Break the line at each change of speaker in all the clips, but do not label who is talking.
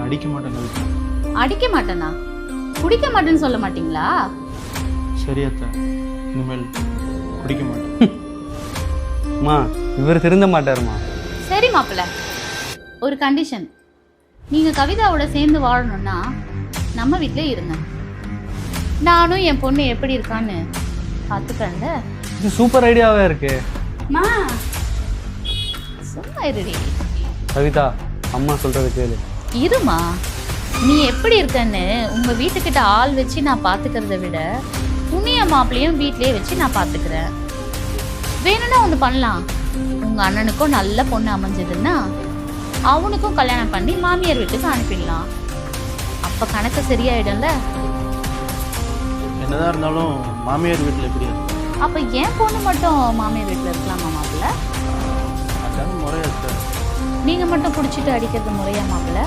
அடிக்க மாட்டேன் கவிதா.
அடிக்க மாட்டேனா? குடிக்க மாட்டேன்னு சொல்ல மாட்டீங்களா?
சரி அத்தை, இனிமேல் குடிக்க மாட்டேன்.
அம்மா இவர் திருந்த மாட்டாருமா.
சரி மாப்பிள்ள, ஒரு கண்டிஷன். நீங்க கவிதாவோட சேர்ந்து வாழணும்னா நம்ம வீட்டிலே இருங்க. நானும் என் பொண்ணு எப்படி இருக்கான்னு பார்த்துக்கல.
இது சூப்பர் ஐடியாவே இருக்கு.
மா சும்மா இருடி.
கவிதா, அம்மா சொல்றது கேளு.
இருமா, நீ எப்படி இருக்கன்னு உங்க வீட்டுக்கிட்ட ஆள் வச்சு நான் பாத்துக்கிறத விட துணிய மாப்பிளையும் வீட்லயே வச்சு நான் பாத்துக்கிறேன். வேணும்னா ஒன்று பண்ணலாம். உங்க அண்ணனுக்கும் நல்ல பொண்ணு அமைஞ்சதுன்னா அவனுக்கும் கல்யாணம் பண்ணி மாமியார் வீட்டுக்கு அனுப்பிடலாம். அப்ப கணக்கு சரியாயிடும்ல.
என்னதான் இருந்தாலும் மாமியார் வீட்டில் எப்படி இருக்கு?
அப்ப என் பொண்ணு மட்டும் மாமியார் வீட்டுல இருக்கலாமா மாப்பிள்ள?
அதான் முறையா அத்தை.
நீங்க மட்டும் குடிச்சிட்டு அடிக்கிறது முறையா மாப்பிள்ள?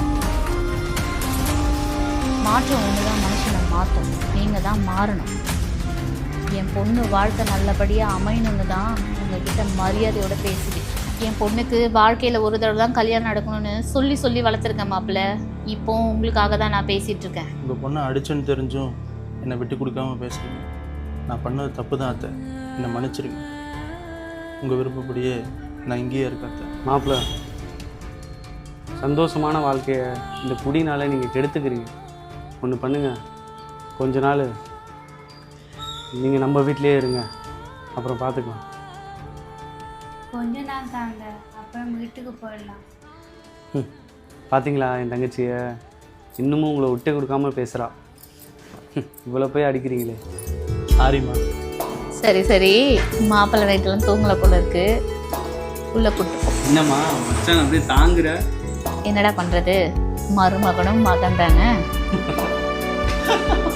மாற்றம் ஒண்ணுதான் மனுஷனை மாற்றும். நீங்க தான் மாறணும். என் பொண்ணு வாழ்க்கை நல்லபடியா அமையணும்னு தான் உங்ககிட்ட மரியாதையோட பேசுது. என் பொண்ணுக்கு வாழ்க்கையில ஒரு தடவை தான் கல்யாணம் நடக்கணும்னு சொல்லி சொல்லி வளர்த்துருக்கேன் மாப்பிள்ள. இப்போ உங்களுக்காக தான் நான் பேசிட்டு இருக்கேன்.
உங்கள் பொண்ணை அடிச்சேன்னு தெரிஞ்சும் என்னை விட்டு கொடுக்காம பேசுறீங்க. நான் பண்ணது தப்பு தான் அத்தை, என்னை மன்னிச்சிருங்க. உங்கள் விருப்பப்படியே நான் இங்கேயே இருக்கேன் அத்தை.
மாப்பிள்ள, சந்தோஷமான வாழ்க்கையை இந்த குடினால நீங்கள் கெடுத்துக்கிறீங்க. ஒன்று பண்ணுங்க, கொஞ்ச நாள் நீங்கள் நம்ம வீட்டிலே இருங்க, அப்புறம் பார்த்துக்கலாம்.
கொஞ்ச நாள் தாங்க, அப்புறம் வீட்டுக்கு போயிடலாம்.
பார்த்தீங்களா என் தங்கச்சியை இன்னமும் உங்களை விட்டு கொடுக்காம பேசுகிறா. இவ்வளோ போய் அடிக்கிறீங்களே.
சாரிம்மா.
சரி சரி, மாப்பிள்ளை நைட்டெல்லாம் தூங்கல போல இருக்கு. உள்ள கூட்டு போ.
என்னம்மா மச்சான் அப்படியே தாங்குற?
என்னடா பண்றது, மருமகனும் மகன் தானே.